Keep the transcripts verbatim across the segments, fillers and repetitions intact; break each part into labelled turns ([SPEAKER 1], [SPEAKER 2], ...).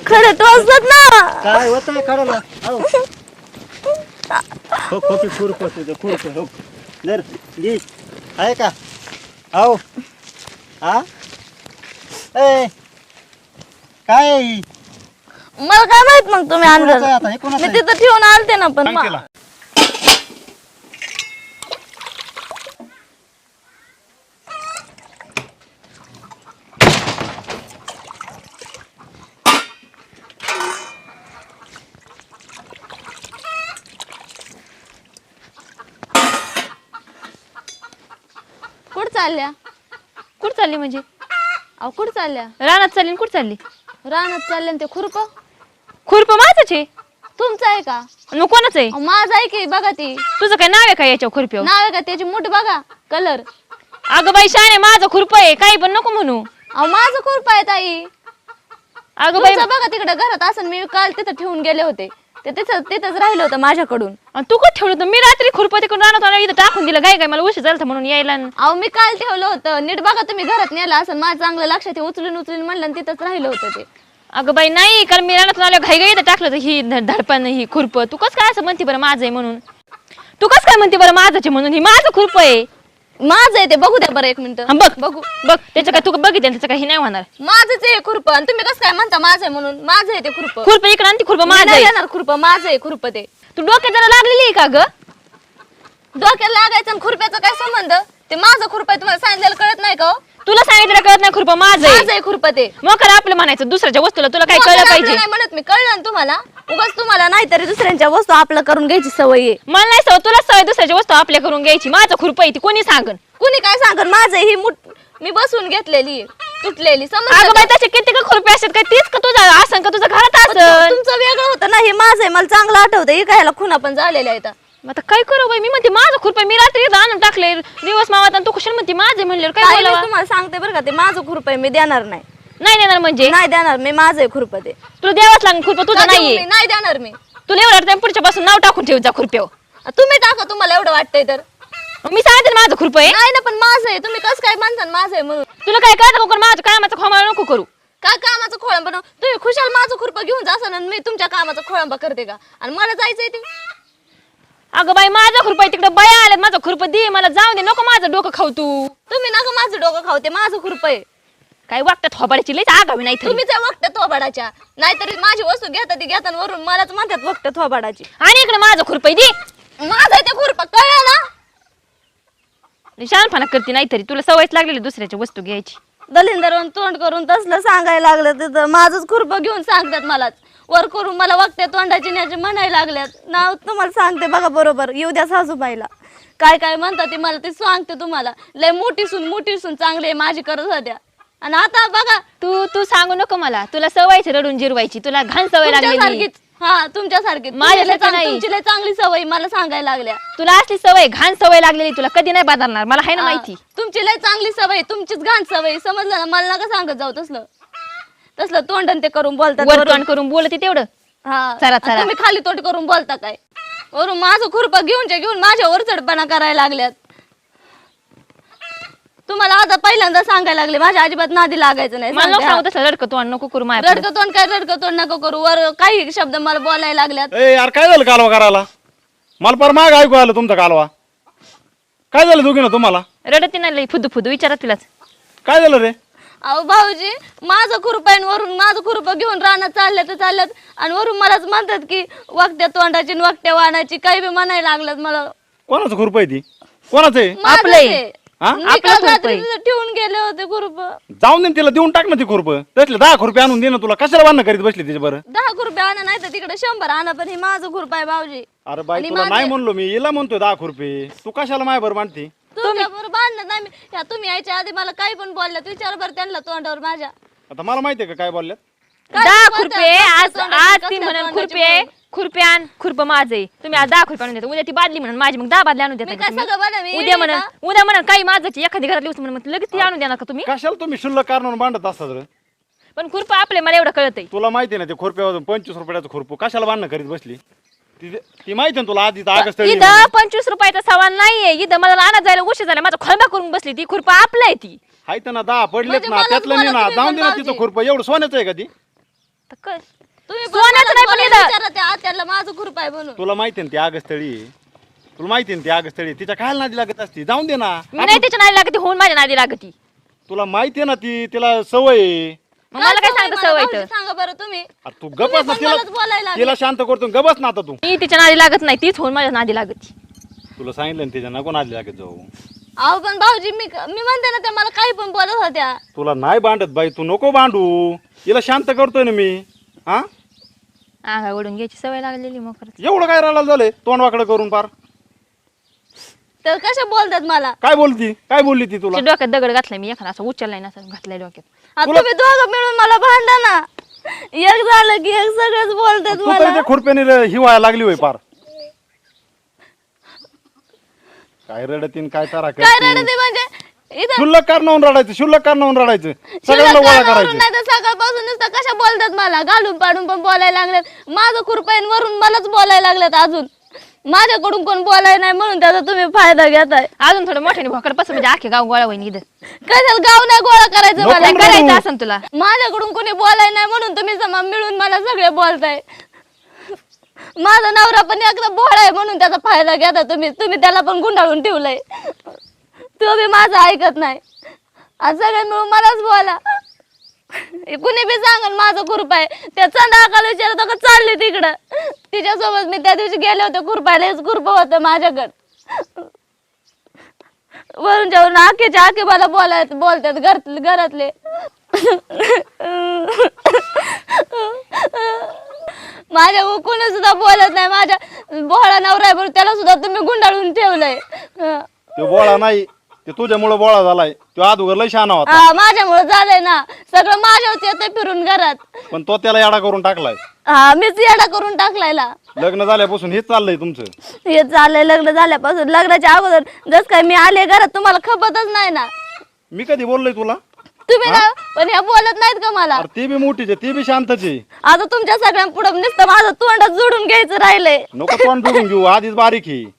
[SPEAKER 1] खरं टोचतात ना.
[SPEAKER 2] काय होतंय काढायला हो हो खोपी खुरप तुझं खुरप हो जर ली आहे का हो हा ए काय
[SPEAKER 1] मला काय माहित मग तुम्ही
[SPEAKER 2] कोणाचं आहे
[SPEAKER 1] आणलं
[SPEAKER 2] आता? हे कोणाचं
[SPEAKER 1] मी
[SPEAKER 2] आहे?
[SPEAKER 1] तिथं ठेवून आलते ना पण
[SPEAKER 2] सांग
[SPEAKER 1] मा-
[SPEAKER 2] तिला.
[SPEAKER 1] कुठं चालल्या
[SPEAKER 3] कुठं चालली म्हणजे
[SPEAKER 1] अहो कुठं चालल्या
[SPEAKER 3] रानात चालली कुठं चालली
[SPEAKER 1] रानात चालले ते खुरप
[SPEAKER 3] खुरप माझंच आहे
[SPEAKER 1] तुमचं आहे का
[SPEAKER 3] मग कोणाचं आहे
[SPEAKER 1] अहो, माझं आहे की बघा ती
[SPEAKER 3] तुझं काय नाव आहे का याच्या खुरप्यावर
[SPEAKER 1] नाव आहे का त्याची मोठी बघा कलर.
[SPEAKER 3] अगं बाई शाने माझं खुरप आहे काही पण नको म्हणू
[SPEAKER 1] अहो माझं खुरप आहे ताई.
[SPEAKER 3] अगं बाई
[SPEAKER 1] तुमचं बघा तिकडे घरात असं मी काल तिथं ठेवून गेले होते ते तिथं तिथंच राहिलं होतं माझ्याकडून.
[SPEAKER 3] आणि तू कुठं ठेवलं होतं मी रात्री खुरप तिकडून रानात आणून इथं टाकून दिलं काय काय मला उशीर झाला होता म्हणून यायला न-
[SPEAKER 1] अहो मी काल ठेवलं होतं नीट बघा तुम्ही घरात नेलं असं माझं चांगलं लक्षात आहे. उचलून उचलून म्हणलं आणि तिथंच राहिलं होतं ते.
[SPEAKER 3] अगं बाई नाही कारण मी रानातून आल्या घाई घाई इथं टाकलं होतं ही ध- धडपण ही खुरप तू कस काय असं म्हणते बरं माझं आहे म्हणून तू कस काय म्हणते बरं माझंच आहे म्हणून ही माझं खुरप आहे
[SPEAKER 1] माझं आहे ते बघू द्या बरं एक मिनिट.
[SPEAKER 3] हा, बघ
[SPEAKER 1] बघू
[SPEAKER 3] बघ त्याचं काय तू बघितलं त्याचं काही नाही होणार
[SPEAKER 1] माझंच आहे खुरप आणि तुम्ही कसं काय म्हणता माझं आहे म्हणून. माझं आहे ते खुरप.
[SPEAKER 3] खुरप इकडं आणि ती खुरप
[SPEAKER 1] मी
[SPEAKER 3] माझं
[SPEAKER 1] नाही
[SPEAKER 3] आहे
[SPEAKER 1] देणार खुरप माझं आहे खुरप ते.
[SPEAKER 3] तू डोक्यात जरा लागलेली आहे का ग
[SPEAKER 1] डोक्याला लागायचं आणि खुरप्याचा काय संबंध. ते माझं खुरप आहे तुम्हाला सांगितलेलं कळत नाही का हो?
[SPEAKER 3] तुला सांगितलं कळत नाही खुरप माझं
[SPEAKER 1] माझं
[SPEAKER 3] आहे
[SPEAKER 1] आहे खुरप ते.
[SPEAKER 3] मग खरं आपलं म्हणायचं दुसऱ्याच्या वस्तूला तुला काय
[SPEAKER 1] मग
[SPEAKER 3] कळलं
[SPEAKER 1] आपलं
[SPEAKER 3] पाहिजे
[SPEAKER 1] नाही म्हणत मी कळलं ना तुम्हाला. उगाच तुम्हाला नाही तरी दुसऱ्यांच्या वस्तू आपलं करून घ्यायची सवय आहे.
[SPEAKER 3] मला नाही सवय तुला सवय दुसऱ्याची वस्तू आपल्या करून घ्यायची माझं खुरप आहे ती कोणी सांगन
[SPEAKER 1] कुणी काय सांगत माझं आहे, ही मुठ मी बसून घेतलेली आहे, तुटलेली
[SPEAKER 3] अगं
[SPEAKER 1] समजलं
[SPEAKER 3] बाई
[SPEAKER 1] का?
[SPEAKER 3] त्याचे किती का खुरपे असतात काय तीच का तुझा असं का तुझं घरात
[SPEAKER 1] पण
[SPEAKER 3] असं
[SPEAKER 1] तुमचं वेगळं होतं ना हे माझं आहे मला चांगलं आठवतं. हे काय खुना पण झालेल्या आहेत.
[SPEAKER 3] आता काय करू बाई मी म्हणते माझं खुरप मी रात्री इथं आणून टाकले दिवस मावात आणि तू कुशल म्हणते माझे म्हणले काय
[SPEAKER 1] ताई, मी
[SPEAKER 3] बोलावं
[SPEAKER 1] तुम्हाला सांगते बरं का ते माझं खुरप आहे मी देणार नाही.
[SPEAKER 3] नाही देणार म्हणजे
[SPEAKER 1] नाही देणार मी माझं आहे खुरप ते.
[SPEAKER 3] तुला द्यावाच लागेल खुरप तुझं
[SPEAKER 1] का देऊ
[SPEAKER 3] नाहीये
[SPEAKER 1] मी? नाही देणार मी.
[SPEAKER 3] तुला एवढं वाटतं पुढच्या पासून नाव टाकून ठेव जा खुरप्यावर
[SPEAKER 1] तुम्ही टाका तुम्हाला एवढं वाटतंय तर.
[SPEAKER 3] मी सांगते ना माझं खुरप आहे
[SPEAKER 1] नाही ना पण माझं आहे तुम्ही कसं काय म्हणता ना माझं आहे म्हणून.
[SPEAKER 3] तुला काय कळतं का माझं कामाचं खोमाळा नको करू
[SPEAKER 1] काय कामाचं खोळंबा बनव तुम्ही खुशाल माझं खुरपं घेऊन जासान आणि मी तुमच्या कामाचं खोळंबा करते का आणि मला जायचंय ते.
[SPEAKER 3] अगं बाई माझं खुरप आहे तिकडे बाया आल्यात माझं खुरप दे मला जाऊ दे नको माझं डोकं खाऊ तू
[SPEAKER 1] तुम्ही नका माझं डोकं खाऊ ते माझं खुरप आहे.
[SPEAKER 3] काय वागतात थोबाड्याची लईच आगावी नाही
[SPEAKER 1] तुम्ही त्या वक्त थोबाडाच्या नाहीतरी माझी वस्तू घेता ती घेता आणि वरून मलाच म्हणतात वक्त थोबाडाची.
[SPEAKER 3] आणि इकडे माझं खुरप आहे दे
[SPEAKER 1] माझं आहे ते खुरपं कळलं ना.
[SPEAKER 3] शहाणपणा करते नाहीतरी तुला सवयच लागलेली दुसऱ्याची वस्तू घ्यायची
[SPEAKER 1] दलिंदर तोंड करून तसलं सांगायला लागलं तिथं माझंच खुरपं घेऊन सांगतात मलाच वर करून मला वक्त्या तोंडाची न्याचे म्हणायला लागल्यात. नाव तुम्हाला सांगते बघा बरोबर येऊ द्या सासूबाईला काय काय म्हणतात ते मला ते सांगते तुम्हाला. लय मोठी सून मोठी सून चांगली आहे माझी करत होत्या आणि आता बघा
[SPEAKER 3] तू तू सांगू नको मला तुला सवयच रडून जिरवायची तुला घाण सवय लागलेली
[SPEAKER 1] तुमच्यासारखीच. हा तुमच्यासारखी
[SPEAKER 3] माझ्यासारखी नाही.
[SPEAKER 1] तुमची लय चांगली सवय मला सांगायला लागल्या.
[SPEAKER 3] तुला असली सवय घाण सवय लागलेली तुला कधी नाही बदलणार मला आहे ना माहिती
[SPEAKER 1] हा, तुमची लय चांगली सवय तुमचीच घाण सवय समजलं ना. मला नका सांगत जाऊ तसलं तसलं तोंडन ते करून बोलतात
[SPEAKER 3] वर
[SPEAKER 1] वरून.
[SPEAKER 3] तोंड करून बोलते तेवढं
[SPEAKER 1] हा
[SPEAKER 3] चला,
[SPEAKER 1] आणि
[SPEAKER 3] चला.
[SPEAKER 1] तुम्ही खाली तोंड करून बोलता काय वरून माझं खुरपं घेऊनच्या घेऊन माझ्या वरचढपणा करायला लागल्यात. तुम्हाला आता पहिल्यांदा सांगायला लागले माझ्या अजिबात नादी लागायचं नाही.
[SPEAKER 3] मला नको
[SPEAKER 1] सांगते,
[SPEAKER 3] सांगू तसलं रडकं तोंड नको करू माझ्या
[SPEAKER 1] रडकं तोंड काय रडकं तोंड नको करू वर काही शब्द मला बोलायला लागल्यात.
[SPEAKER 2] ए यार काय झालं कालवा करायला मला पर माग ऐकू आलं तुमचा कालवा काय झालं दोघीनं तुम्हाला
[SPEAKER 3] रडती नाही लई फुदू फुदू विचारा तिलाच
[SPEAKER 2] काय झालं रे
[SPEAKER 1] अहो भाऊजी माझं खुरपं आहे आणि वरून माझं खुरपं घेऊन रानात चालल्या तर चालल्यात आणि वरून मलाच म्हणतात की वाकट्या तोंडाची आणि वाकट्या वाहनाची काही बी म्हणायला लागल्यात मला.
[SPEAKER 2] कोणाचं खुरप आहे ती कोणाचं आहे
[SPEAKER 1] माझंच
[SPEAKER 3] आपलं आहे.
[SPEAKER 1] आहे.
[SPEAKER 2] हा?
[SPEAKER 1] मी
[SPEAKER 3] आपलं
[SPEAKER 1] काल
[SPEAKER 3] खुरपं
[SPEAKER 1] रात्री
[SPEAKER 3] आहे.
[SPEAKER 1] तिथं ठेवून गेले होते खुरप.
[SPEAKER 2] जाऊन दे ना तिला देऊन टाक ना ती खुरप त्यातले दहा खुरपे आणून दे ना तुला कशाला बांधणं करीत बसली तिच्या बरं
[SPEAKER 1] दहा खुरपे आणा नाही तर तिकडे शंभर आणा पण हे माझं खुरप आहे भाऊजी.
[SPEAKER 2] अरे बाई
[SPEAKER 1] आणि
[SPEAKER 2] तुला
[SPEAKER 1] माझे-
[SPEAKER 2] नाही म्हणलो मी हिला म्हणतोय दहा खुरपे तू कशाला माय बरं मांडती
[SPEAKER 1] तुमच्या बरोबर बांधलं नाही मी. या तुम्ही यायच्या आधी मला काही पण बोलल्यात विचार बरं त्यांना तोंडावर माझ्या
[SPEAKER 2] आता मला माहितीये का काय बोलल्यात
[SPEAKER 1] काय
[SPEAKER 3] दहा
[SPEAKER 1] बोलतात?
[SPEAKER 3] खुरपे
[SPEAKER 1] कसल्या
[SPEAKER 3] आज
[SPEAKER 1] तोंडाची,
[SPEAKER 3] आज
[SPEAKER 1] कसल्या
[SPEAKER 3] ती म्हणून
[SPEAKER 1] तोंडाची
[SPEAKER 3] खुरपे
[SPEAKER 1] बोल.
[SPEAKER 3] खुरपे आण खुरप माझे तुम्ही आज दहा खुरपे आणून देता उद्या ती बादली म्हणून माझी मग दहा बादली आणून देता
[SPEAKER 1] मी
[SPEAKER 3] का
[SPEAKER 1] काय
[SPEAKER 3] तुम्ही?
[SPEAKER 1] सगळं बनव मी
[SPEAKER 3] उद्या म्हणा उद्या म्हणा काही माझं एखादी घरातली वस्तू म्हणून लगेच ती आणून देणार का तुम्ही
[SPEAKER 2] कशाला तुम्ही शुल्लक कारणावर मांडत असतात रे
[SPEAKER 3] पण खुरप आपले मला एवढं कळत
[SPEAKER 2] तुला माहिती ना ते खुरप्यावर पंचवीस रुपयाचं खुरपू कशाला बांधणं करीत बसली ती ती माहिती ना तुला आधी आगस्ट
[SPEAKER 3] इथं पंचवीस रुपयाचा सवाल नाहीये इथं मला आणत जायला उशीर झाला माझा खोलबा करून बसली ती खुरपा आपलं आहे ती
[SPEAKER 2] हाय ना दहा पडलेत
[SPEAKER 1] म्हणजे
[SPEAKER 2] ना
[SPEAKER 1] मला
[SPEAKER 2] त्यातलं
[SPEAKER 1] तुम्हाला
[SPEAKER 2] नाही ना
[SPEAKER 1] तुम्ही
[SPEAKER 2] जाऊन
[SPEAKER 1] पण
[SPEAKER 2] दे ना
[SPEAKER 1] भाऊजी.
[SPEAKER 2] तिथं खुरपं एवढं सोन्याचं आहे का ती
[SPEAKER 3] तर कळ
[SPEAKER 1] तुम्ही पण
[SPEAKER 3] सोन्याचं
[SPEAKER 1] मला
[SPEAKER 3] नाही पण
[SPEAKER 1] बोलायला
[SPEAKER 3] इथं.
[SPEAKER 1] विचारा त्या आत्याला माझं खुरप आहे म्हणून.
[SPEAKER 2] तुला माहिती ना ती आगस्थळी आहे. तुला माहिती ना ती आगस्थळी आहे. तिच्या खायला नादी लागत असती जाऊन दे ना.
[SPEAKER 3] मी नाही तिच्या नादी लागती होऊन माझ्या नादी लागती.
[SPEAKER 2] तुला माहिती आहे ना ती तिला सवय आहे.
[SPEAKER 3] मग मला काय सांगता
[SPEAKER 1] मला
[SPEAKER 3] सवय
[SPEAKER 1] भाऊजी
[SPEAKER 3] तर
[SPEAKER 1] सांगा बरं तुम्ही.
[SPEAKER 2] अरे तू
[SPEAKER 1] तुम्ही
[SPEAKER 2] गपच ना
[SPEAKER 1] पण
[SPEAKER 2] तिला
[SPEAKER 1] मलाच बोलायला लागले.
[SPEAKER 2] तिला शांत करतो गबस ना आता तू.
[SPEAKER 3] मी तिच्या नादी लागत नाही तीच होऊन माझ्या नादी लागती.
[SPEAKER 2] तुला सांगितलं ना तिच्या नको नादी लागत जाऊ.
[SPEAKER 1] अहो पण भाऊजी मी मी म्हणते ना त्या मला काही पण बोलत होत्या.
[SPEAKER 2] तुला नाही भांडत बाई तू नको भांडू. तिला शांत करतोय ना मी. हा
[SPEAKER 3] अंगा ओढून घ्यायची सवय लागलेली मग खरंच.
[SPEAKER 2] एवढं काय राहिलं झालंय तोंड वाकडं करून पार.
[SPEAKER 1] तर कशा बोलतात मला.
[SPEAKER 2] काय बोलती काय बोलली ती तुला.
[SPEAKER 3] तिच्या डोक्यात दगड घातलाय मी एखादा असं उचललाय ना असं घातलाय डोक्यात.
[SPEAKER 1] आता
[SPEAKER 2] तुला-
[SPEAKER 1] तुम्ही दोघं मिळून मला भांडा ना. एक झालं की एक सगळंच बोलतात
[SPEAKER 2] तू तरी
[SPEAKER 1] मला.
[SPEAKER 2] त्या खुरप्याने हिवाळा लागली होय पार. काय रडतीन काय तारा
[SPEAKER 1] काय
[SPEAKER 2] करतीन.
[SPEAKER 1] रडते म्हणजे इथं
[SPEAKER 2] शुल्लक कारणावून रडायचं शुल्लक कारणावून रडायचं
[SPEAKER 1] शिल्लक
[SPEAKER 2] सगळ्यांना गोळा
[SPEAKER 1] कानावरून
[SPEAKER 2] करायचं.
[SPEAKER 1] नाही तर सकाळपासून नुसतं कशा बोलतात मला घालून पाडून पण बोलायला लागलेत. माझं खुरपाईन वरून मलाच बोलायला लागलेत अजून. माझ्याकडून कोण बोलाय नाही म्हणून त्याचा तुम्ही फायदा घेताय.
[SPEAKER 3] अजून थोडं मोठ्याने भोकड पसं म्हणजे आखे गाव गोळा होईन इथं.
[SPEAKER 1] कशाला गाव नाही गोळा करायचं
[SPEAKER 2] नको
[SPEAKER 1] मला.
[SPEAKER 2] नको.
[SPEAKER 3] करायचं असं तुला.
[SPEAKER 1] माझ्याकडून कोणी बोलाय नाही म्हणून तुम्ही जमा मिळून मला सगळे बोलताय. माझा नवरा पण एकदा भोळा आहे म्हणून त्याचा फायदा घेता तुम्ही. तुम्ही त्याला पण गुंडाळून ठेवलंय. तो बी माझं ऐकत नाही. आज सगळे मिळून मलाच बोला. कुणी बी सांगन माझं खुरप आहे. त्या चंदाकाला विचारत का चालली तिकडं. तिच्यासोबत मी त्या दिवशी गेले होते खुरपायला. हेच खुरप होतं माझ्याकडं. वरून जाऊन आखेच्या आखे मला बोलाय बोलतात घर घरातले. माझ्या कोणी सुद्धा बोलत नाही. माझ्या बोळा नवरा आहे म्हणून त्याला सुद्धा तुम्ही गुंडाळून ठेवलंय.
[SPEAKER 2] तो बोळा नाही ते तुझ्यामुळे बोळा झालाय. तो अगोदर लय शहाणा होता
[SPEAKER 1] हा माझ्यामुळे झालंय ना. सगळं माझ्यावरच येतंय फिरून घरात.
[SPEAKER 2] पण तो त्याला याडा करून टाकलाय.
[SPEAKER 1] हा मीच येडा करून टाकलायला.
[SPEAKER 2] लग्न झाल्यापासून हेच चाललंय तुमचं.
[SPEAKER 1] हे चाललंय लग्न झाल्यापासून. लग्नाच्या अगोदर जस काय मी आले घरात तुम्हाला खपतच नाही ना.
[SPEAKER 2] मी कधी बोललोय तुला.
[SPEAKER 1] तुम्ही ना पण ह्या बोलत नाहीत का मला.
[SPEAKER 2] अरे ती बी मोठीच आहे ती बी शांतच आहे.
[SPEAKER 1] आता तुमच्या सगळ्यांपुढे नुसतं माझं तोंडात जोडून घ्यायचं राहिलंय.
[SPEAKER 2] नको तोंड जोडून घेऊ आधीच बारीक ही.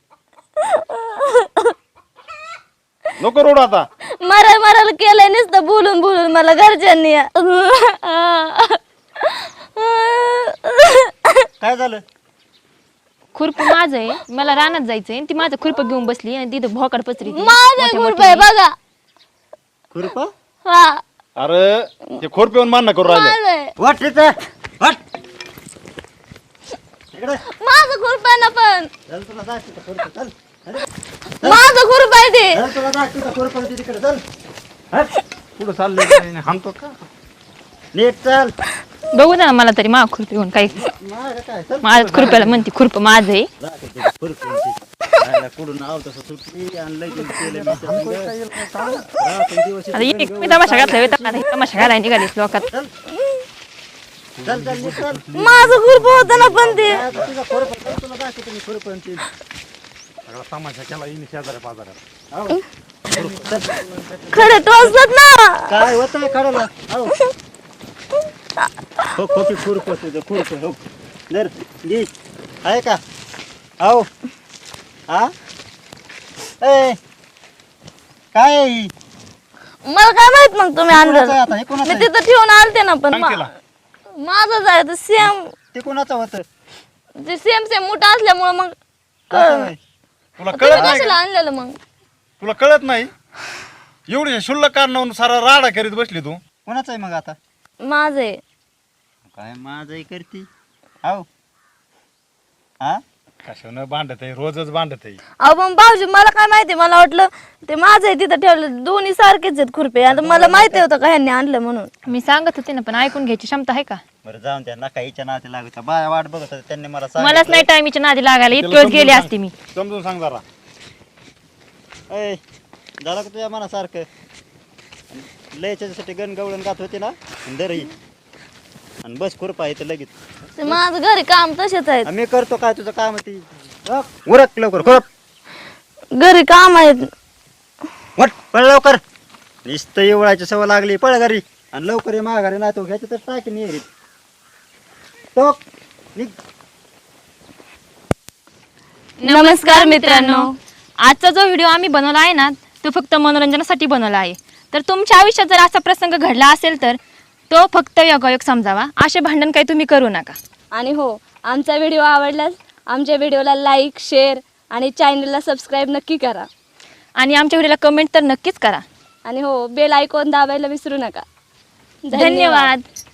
[SPEAKER 2] नको रोड आता.
[SPEAKER 1] मराय मरायला केलंय नुसतं बोलून बोलून मला घरच्यांनी.
[SPEAKER 4] काय झालं.
[SPEAKER 3] खुरप माझं आहे मला रानात जायचंय आणि ती माझं खुरप घेऊन बसली आणि तिथं भोकड पसरी
[SPEAKER 1] माझं खुरप आहे बघा.
[SPEAKER 4] खुरप
[SPEAKER 1] हा
[SPEAKER 2] अरे ते खोर पिऊन मान्य करू राहिले.
[SPEAKER 1] माझं आहे.
[SPEAKER 4] वाट तिथं वाट इकडे
[SPEAKER 1] माझं खुरप आहे ना पण.
[SPEAKER 4] चल तुला दाखव तिथं खुरपं, चल अरे,
[SPEAKER 1] माझं खुरप आहे ते.
[SPEAKER 4] चल तुला दाखव तिथं खुरपं आहे तिकडे चल हट
[SPEAKER 2] पुढे चाललंय हाणतो का.
[SPEAKER 4] नीट चल
[SPEAKER 3] बघू ना मला तरी मा खुरप घेऊन काही
[SPEAKER 4] मागं काय चल
[SPEAKER 3] माझ्या खुरप्याला म्हणते खुरप माझं आहे.
[SPEAKER 4] दाखव तिथं खुरपं आहे ती. राहिला कुठून आव तसं सुटली आणि लगेच केलं मी त्या संग. रात्रंदिवस
[SPEAKER 3] आता एक मी तमाशा घातला होता, आता हे तमाशा घालायला निघालीस लोकात.
[SPEAKER 4] चल चल चल नीट चल
[SPEAKER 1] माझं खुरप होतं ना पण ते.
[SPEAKER 4] आता तुझं खुरपं, चल तुला दाखवतो मी खुरपं आहे ती.
[SPEAKER 2] सगळा तमाशा केला येईन शेजाऱ्या पाजाऱ्यात.
[SPEAKER 4] आव. चल
[SPEAKER 1] खरं टोचतात ना.
[SPEAKER 4] काय होतं काढायला आव हो खोकी खुरपं तुझं खुरपं हो जर घे आहे का आव हा ए काय आहे ही?
[SPEAKER 1] मला काय माहित मग तुम्ही
[SPEAKER 4] कोणाचं आहे
[SPEAKER 1] आणलं.
[SPEAKER 4] आता हे कोणाचं
[SPEAKER 1] मी
[SPEAKER 4] आहे?
[SPEAKER 1] तिथं ठेवून आलते ना पण
[SPEAKER 2] सांग
[SPEAKER 1] मा-
[SPEAKER 2] तिला.
[SPEAKER 1] माझंच आहे ते सेम.
[SPEAKER 4] ते कोणाचं होतं
[SPEAKER 1] ते सेम सेम मोठं असल्यामुळे मग
[SPEAKER 4] असं नाही.
[SPEAKER 2] तुला
[SPEAKER 1] तुम्ही
[SPEAKER 2] कळत नाही
[SPEAKER 1] कशाला
[SPEAKER 2] का?
[SPEAKER 1] आणलेलं मग.
[SPEAKER 2] तुला कळत नाही एवढी शुल्लक कारणावरून सारा राडा करीत बसली तू.
[SPEAKER 4] कोणाचं आहे मग आता
[SPEAKER 1] माझं आहे.
[SPEAKER 4] काय माझं करती आव हा
[SPEAKER 2] कशानं भांडत आहे रोजच भांडत आहे.
[SPEAKER 1] अहो पण भाऊजी मला काय माहिती. मला वाटलं ते माझं आहे तिथं ठेवलं. दोन्ही सारखेच आहेत खुरपे. आता मला माहिती होतं का ह्यांनी आणलं म्हणून.
[SPEAKER 3] मी सांगत होते ना पण ऐकून घ्यायची क्षमता आहे का.
[SPEAKER 4] बरं जाऊन त्या नका हिच्या नाते लागत बाया वाट बघत होत्या. त्यांनी मला
[SPEAKER 3] मलाच
[SPEAKER 4] सांगितलं.
[SPEAKER 3] नाही टायमीच्या नादी लागायला इतके
[SPEAKER 2] त्याला
[SPEAKER 3] वेळेस गेले
[SPEAKER 2] समजून
[SPEAKER 3] असते मी.
[SPEAKER 2] सांग. समजून सांग जरा.
[SPEAKER 4] ए झालं का तुझ्या मनासारखं लयच्यासाठी गण गवळण गात होती ना दर ही आणि बस खुरपा आहे तर लगेच
[SPEAKER 1] ते माझं घरी काम तसेच आहेत.
[SPEAKER 4] मी करतो काय तुझं काम ती उरक लवकर खुरप
[SPEAKER 1] घरी काम आहेत.
[SPEAKER 4] वट पळ लवकर नुसतं एवढायची सवय लागली पळ घरी आणि लवकर ये माघारी नाही तो घ्यायचं तर टाकी नाही तो निघ.
[SPEAKER 3] नमस्कार मित्रांनो, आजचा जो व्हिडिओ आम्ही बनवला आहे ना तो फक्त मनोरंजनासाठी बनवला आहे. तर तुमच्या आयुष्यात जर असा प्रसंग घडला असेल तर तो फक्त योगायोग समजावा. असे भांडण काही तुम्ही करू नका.
[SPEAKER 1] आणि हो, आमचा व्हिडिओ आवडल्यास आमच्या व्हिडिओला लाईक, शेअर आणि चॅनलला सबस्क्राईब नक्की करा.
[SPEAKER 3] आणि आमच्या व्हिडिओला कमेंट तर नक्कीच करा.
[SPEAKER 1] आणि हो, बेल आयकॉन दाबायला विसरू नका.
[SPEAKER 3] धन्यवाद.